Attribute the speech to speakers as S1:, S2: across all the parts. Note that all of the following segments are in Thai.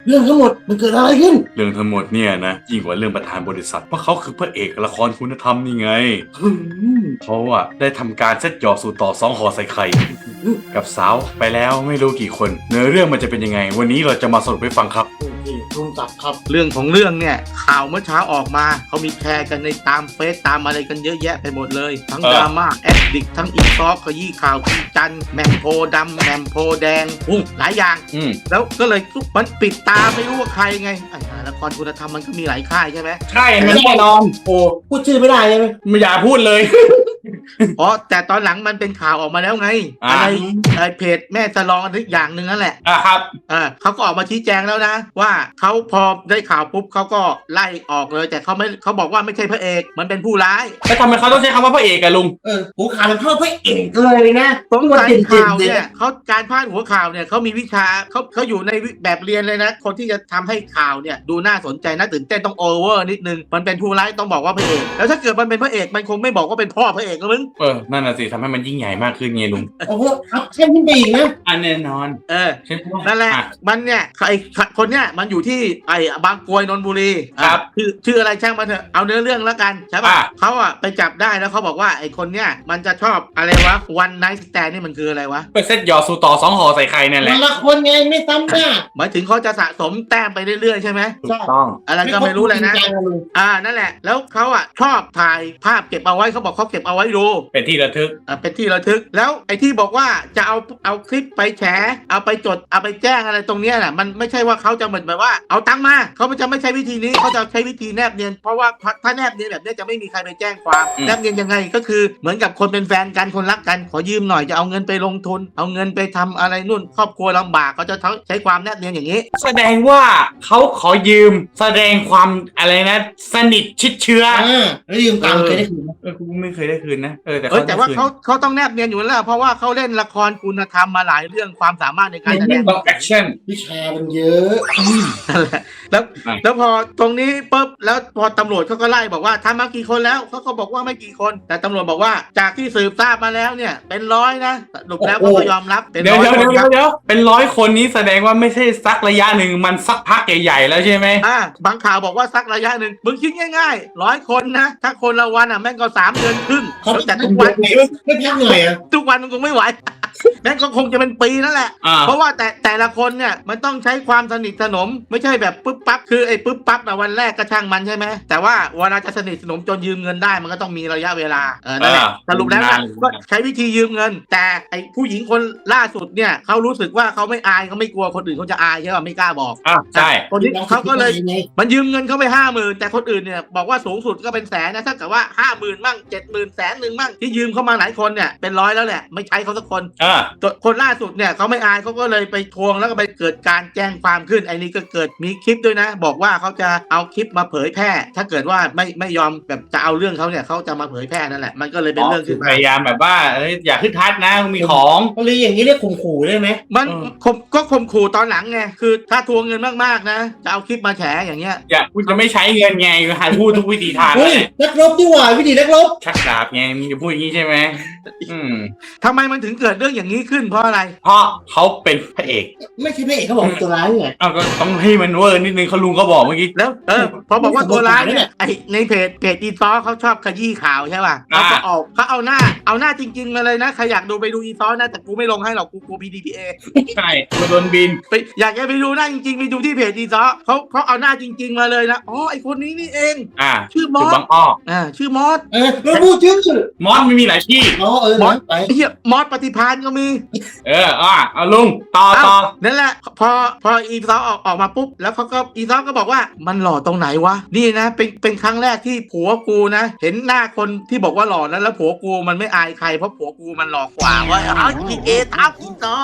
S1: เรื่องทั้งหมดมันเกิดอะไรขึ้น
S2: เรื่องทั้งหมดเนี่ยนะยิ่งกว่าเรื่องประธานบริษัทเพราะเขาคือพระเอกละครคุณธรรมนี่ไงเขาอะได้ทำการเซตหยอกสู่ต่อ2ห่อใส่ไข่กับสาวไปแล้วไม่รู้กี่คนเนื้อเรื่องมันจะเป็นยังไงวันนี้เราจะมาสรุปให้ฟังครับ
S1: โอเคลุงจับครับ
S3: เรื่องของเรื่องเนี่ยข่าวเมื่อเช้าออกมาเขามีแชร์กันในตามเฟซตามอะไรกันเยอะแยะไปหมดเลยทั้งดราม่าแอดดิกทั้งอีซอกขยี้ข่าวอีจันแหม่มโพดำแหม่มโพแดงหลายอย่างแล้วก็เลยมันปิดตาไม่รู้ว่าใครไงละครคุณธรรมมันก็มีหลายค่ายใช่ไหม
S2: ใช่แน่นอน
S1: โอ้พูดชื่อไม่ได้ใช่ไหม
S2: ไม่อยากพูดเลย
S3: อ๋อแต่ตอนหลังมันเป็นข่าวออกมาแล้วไงอะไรเพจแม่จะลองอะไรอย่างหนึ่งนั่นแหละ
S2: ครับ
S3: เขาก็ออกมาชี้แจงแล้วนะว่าเขาพอได้ข่าวปุ๊บเขาก็ไล่ออกเลยแต่เขาบอกว่าไม่ใช่พระเอกมันเป็นผู้ร้าย
S2: แล้วทำไมเขาต้องใช้คำว่าพระเอกอะลุง
S1: หัวข่าวมันเข้าพระเอกเลยนะ
S3: ผมว่าข่าวเนี่ยเขาการพาดหัวข่าวเนี่ยเขามีวิชาเขาอยู่ในแบบเรียนเลยนะคนที่จะทำให้ข่าวเนี่ยดูน่าสนใจน่าตื่นเต้นต้องโอเวอร์นิดนึงมันเป็นผู้ร้ายต้องบอกว่าพระเอกแล้วถ้าเกิดมันเป็นพระเอกมันคงไม่บอกว่าเป็นพ่อพระเอกแล้วมึง
S2: นั่นน่ะสิทำให้มันยิ่งใหญ่มากขึ้นไงลุง
S1: โอ้โหอัพเข้มขึ้นไปอีกนะ
S2: แน่นอน
S3: นั่นแหละมันเนี่ยไอ้คนเนี้ยมันอยู่ที่ไอ้บางกรวยนนทบุรี
S2: ครับ
S3: ชื่ออะไรช่างมันเถอะเอาเนื้อเรื่องแล้วกันใช่ป่ะเขาไปจับได้แล้วเขาบอกว่าไอ้คนเนี้ยมันจะชอบอะไรวะวันไนท์สแตนนี่มันคืออะไรวะ
S2: เป็นเซตหยอดสู่ต่อ2ห่อใส่ไข่นั่นแหละ
S1: ละคนไงไม่ซ้ำหน้า
S3: หมายถึงเขาจะสะสมแต้มไปเรื่อยๆใช่ไหม
S2: ถูกต้อง
S3: อะไรก็ไม่รู้เลยนะนั่นแหละแล้วเขาชอบถ่ายภาพเก็บเอาไว้เขาบอกเขาเก็บเอาไว้ดู
S2: เป็นที่ระทึก
S3: เป็นที่ระทึกแล้วไอ้ที่บอกว่าจะเอาคลิปไปแฉเอาไปจดเอาไปแจ้งอะไรตรงเนี้ยน่ะมันไม่ใช่ว่าเขาจะเหมือนแบบว่าเอาตังค์มาเขาจะไม่ใช่วิธีนี้เขาจะใช้วิธีแนบเนียนเพราะว่าถ้าแนบเนียนแบบนี้จะไม่มีใครไปแจ้งความแนบเนียนยังไงก็คือเหมือนกับคนเป็นแฟนกันคนรักกันขอยืมหน่อยจะเอาเงินไปลงทุนเอาเงินไปทำอะไรนู่นครอบครัวลำบากเขาจะใช้ความแนบเนียนอย่างนี้
S2: แสดงว่าเขาขอยืมแสดงความอะไรนะสนิทชิดเชื้อ
S1: แล้วยืมตังค์เคยได้คืนไหม
S2: กูไม่เคยได้คืนนะ
S3: แต่ว่าเขาต้องแนบเนียนอยู่แล้วเพราะว่าเขาเล่นละครคุณธรรมมาหลายเรื่องความสามารถในการแสดง
S2: ต้องแอคชั่น
S1: วิชามันเยอะ
S3: นั่นแหละแล้วพอตรงนี้ปุ๊บแล้วพอตำรวจเขาก็ไล่บอกว่าทำมากี่คนแล้วเขาก็บอกว่าไม่กี่คนแต่ตำรวจบอกว่าจากที่สืบทราบมาแล้วเนี่ยเป็น100นะสรุปแล้วก็ยอมรับ
S2: เป็น100คนเป็น100คนนี้แสดงว่าไม่ใช่สักระยะหนึ่งมันสักพักใหญ่ๆแล้วใช่ไหม
S3: บางข่าวบอกว่าสักระยะหนึ่งมึงคิดง่ายๆ100คนนะถ้าคนละวันแม่งก็3 เดือนครึ่งแต่ทุกวัน
S1: ไม่พักหน่อย
S3: ทุกวันมันคงไม่ไหวแม่งก็คงจะเป็นปีนั่นแหละเพราะว่าแต่ละคนเนี่ยมันต้องใช้ความสนิทสนมไม่ใช่แบบปึ๊บปั๊บคือไอ้ปึ๊บปั๊บวันแรกก็ช่างมันใช่ไหมแต่ว่าเวลาจะสนิทสนมจนยืมเงินได้มันก็ต้องมีระยะเวลานั่นแหละสรุปแล้วก็ใช้วิธียืมเงินแต่ไอ้ผู้หญิงคนล่าสุดเนี่ยเขารู้สึกว่าเขาไม่อายเขาไม่กลัวคนอื่นเขาจะอายใช่ป่ะไม่กล้าบอก
S2: ใช่
S3: คนนี้เขาก็เลยมันยืมเงินเขาไป50,000แต่คนอื่นเนี่ยบอกว่าสูงสุดก็เป็นแสนนะถ้าเกิดว่า50,000มั่ง70,000แสนหนึ่งมั่งที่ยืมเข้ามาหลายคนเนี่ยเป็น100แล้วแหละไม่ใช้เขาสักคนคนล่าสุดเนี่ยเขาไม่อายเขาก็เลยไปทวงแล้วก็ไปเกิดการแจ้งความขึ้นไอ้นี่ก็เกิดมีคลิปด้วยนะบอกว่าเขาจะเอาคลิปมาเผยแพร่ถ้าเกิดว่าไม่ยอมแบบจะเอาเรื่องเขาเนี่ยเขาจะมาเผยแพร่นั่นแหละมันก็เลยเป็นเรื่องขึ้น
S2: พยายามแบบว่าอยากขึ้นทัดนะมีของ
S1: อะไรอย่างนี้เรียกข่มขู่ได้ไหม
S3: มันก็ข่มขู่ตอนหลังไงคือถ้าทวงเงินมากๆนะจะเอาคลิปมาแฉอย่างเงี้ย
S2: คุณจะไม่ใช้เงินไงหาพูดทุกวิธีทาง
S1: เลยนักรบดีกว่าวิธีนักรบ
S2: ชักดาบไงมึงจะพูดอย่างนี้ใช่ไหม
S3: ทำไมมันถึงเกิดเรื่องอย่างนี้ขึ้นเพราะอะไร
S2: เพราะเขาเป็นพระเอก
S1: ไม่ใช่พระเอกเขาบอกตัวร้ายไง
S2: ก็ต้องให้มันเวอร์นิดนึงเขาลุงก็บอกเมื่อกี้
S3: แล้วพอบอกว่าตัวร้ายเนี่ยไอในเพจอีซอเขาชอบขยี้ข่าวใช่ป่ะเขาก็เขาเอาหน้าจริงๆมาเลยนะใครอยากดูไปดูอีซอนะแต่กูไม่ลงให้หรอกกู PDPA
S2: ใช่กูโดนบิน
S3: ไปอยากจะไปดูหน้าจริงๆไปดูที่เพจอีซอเขาเอาหน้าจริงๆมาเลยนะอ๋อไอคนนี้นี่เองชื่อมอสชื่อมอส
S1: เราพูดชื่อ
S2: มอสไม่มีหลายที่
S3: มอสเฮียมอสปฏิภาณก็มี
S2: เอาลุงต่อ
S3: นั่นแหละพออีซอออกมาปุ๊บแล้วเขาก็อีซอก็บอกว่ามันหล่อตรงไหนวะนี่นะเป็นครั้งแรกที่ผัวกูนะเห็นหน้าคนที่บอกว่าหล่อแล้วผัวกูมันไม่อายใครเพราะผัวกูมันหล่อกว่าว่าเอาอีเอทับอีซอ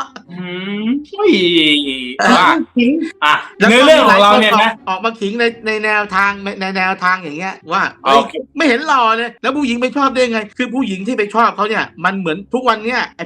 S2: เนื้อเรื่องของเราเนี่ยนะ
S3: ออกมาขิงในแนวทางอย่างเงี้ยว่าไม่เห็นหล่อเลยแล้วผู้หญิงไปชอบได้ไงคือผู้หญิงที่ไปชอบเขาเนี่ยมันเหมือนทุกวันเนี้ยไอ้พวกละคร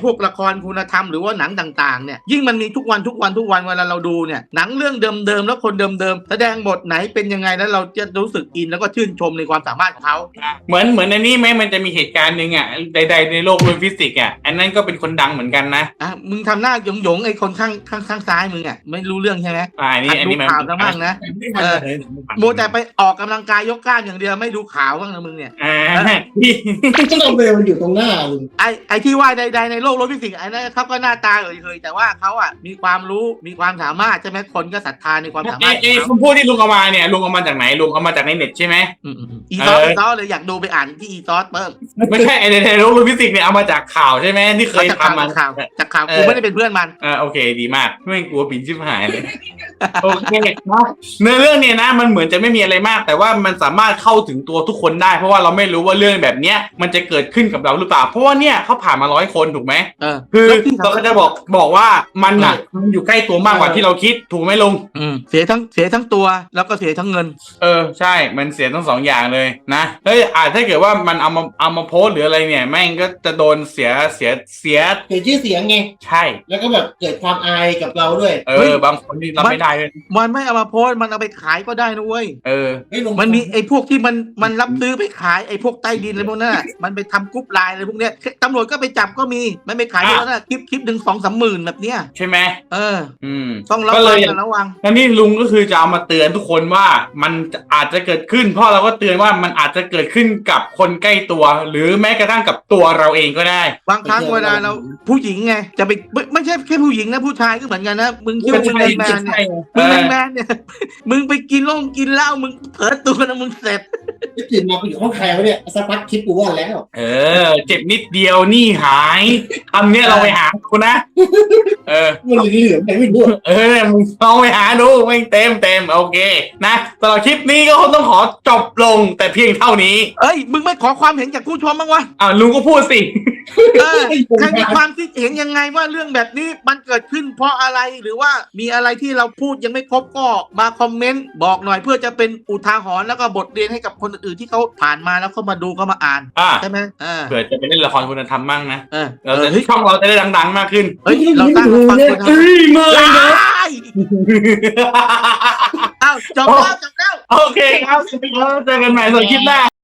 S3: รคุณธรรมหรือว่าหนังต่างๆเนี่ยยิ่งมันมีทุกวันเวลาเราดูเนี่ยหนังเรื่องเดิมๆแล้วคนเดิมๆแสดงบทไหนเป็นยังไงแล้วเราจะรู้สึกอินแล้วก็ชื่นชมในความสามารถของเขา
S2: เหมือนในนี้ไหมมันจะมีเหตุการณ์หนึ่งอ่ะใดๆในโลกโดยฟิสิกส์อ่ะอันนั้นก็เป็นคนดังเหมือนกันนะ
S3: มึงทำหน้าหยงไอ้คนข้างซ้ายมึงอ่ะไม่รู้เรื่องใช่ไหม
S2: อันนี้
S3: ดูข่าวซะบ้างนะโมแต่ไปออกกำลังกายยกกล้ามอย่างเดียวไม่ดูข่าวบ้างนะมึงเนี่ย
S1: ก็เราเบลมันอยู่ตรงหน้าลุง
S3: ไอ้ที่ว่าใดๆในโลกโดยฟิสิกส์ไอ้นั่นเขาก็หน้าตาเคยแต่ว่าเขาอ่ะมีความรู้มีความสามารถใช่ไหมคนก็ศรัทธาในความสามารถ
S2: คำพูดที่ลุงเอามาเนี่ยลุงเอามาจากไหนลุงเอามาจากในเน็ตใช่ไหม
S3: อีซอสเลยอยากดูไปอ่านที่อีซอสเพิ่ม
S2: ไม่ใช่ในโลกฟิสิกส์เนี่ยเอามาจากข่าวใช่ไหมที่เคยทำมา
S3: จากข่าวกูไม่ได้เป็นเพื่อนมัน
S2: โอเคดีมากไม่กลัวปิ่นชิบหายเลยโอเคเนื้อเรื่องเนี่ยนะมันเหมือนจะไม่มีอะไรมากแต่ว่ามันสามารถเข้าถึงตัวทุกคนได้เพราะว่าเราไม่รู้ว่าเรื่องแบบเนี้ยมันจะเกิดขึ้นกับเราหรือเปล่าเพราะว่าเนี่ยเขาผ่านมา100 คนถูกไหมคือเราก็จะบอกว่ามันอ่ะมันอยู่ใกล้ตัวมากกว่าที่เราคิดถูกไหมลุง
S3: เสียทั้งตัวแล้วก็เสียทั้งเงิน
S2: ใช่มันเสียทั้ง2 อย่างเลยนะถ้าเกิดว่ามันเอามาโพสหรืออะไรเนี่ยแม่งก็จะโดนเสีย
S1: ชื่อเสียงไง
S2: ใช่
S1: แล้วก็แบบเกิดความอายกับเราด้วย
S2: บางคนนี่รับไม่ได้เลย
S3: มันไม่เอามาโพสมันเอาไปขายก็ได้นะเว้ยมันมีไอ้พวกที่มันรับซื้อไปขายไอ้พวกใต้ดินอะไรพวกนั้นมันไปทำกรุ๊ปไลน์อะไรพวกเนี้ยตำรวจก็ไปจับก็มีมันไปขายแล้วนะคลิปหนึ่ง2-3 หมื่นแบบเนี้ย
S2: ใช่ไหม
S3: ต้องระวัง
S2: แล้วนี่ลุงก็คือจะเอามาเตือนทุกคนว่ามันอาจจะเกิดขึ้นเพราะเราก็เตือนว่ามันอาจจะเกิดขึ้นกับคนใกล้ตัวหรือแม้กระทั่งกับตัวเราเองก็ได้
S3: บางครั้งเวลาเราผู้หญิงไงจะไปไม่ใช่แค่ผู้หญิงนะผู้ชายก็เหมือนกันนะมึงคิดว่ามึงเป็นแมนเนี่ยมึงไปกินเหล้ามึงเผลอตัวนะมึงเสร็จ
S1: ตื่นมาไปอยู่ห้องใครวะเนี่ยสักพักคิดกูว่าแล้ว
S2: เจ็บนิดเดียวนี่หายคำนี้เราไปหาคุณนะ
S1: มันเหลือไปไม่รู้
S2: มึงลองไปหาดูไม่เต็มโอเคนะสำหรับคลิปนี้ก็คงต้องขอจบลงแต่เพียงเท่านี้
S3: มึงไม่ขอความเห็นจากผู้ชมบ้างวะ
S2: ลุงก็พูดสิ
S3: ใครมีความคิดเห็นยังไงว่าเรื่องแบบนี้มันเกิดขึ้นเพราะอะไรหรือว่ามีอะไรที่เราพูดยังไม่ครบก็มาคอมเมนต์บอกหน่อยเพื่อจะเป็นอุทาหรณ์แล้วก็บทเรียนให้กับคนอื่นที่เขาผ่านมาแล้วเขามาดูก็มาอ่านใช่ไหม
S2: เผื่อจะไปเล่นละครคุณธรรมมั่งนะช่องเราจะได้ดังๆมากขึ้น
S3: เราตั้งฟังคุณธรรม
S2: ไม่นะ
S3: จบแล้ว
S2: โอเคครับเจอกันใหม่ในคลิปหน้า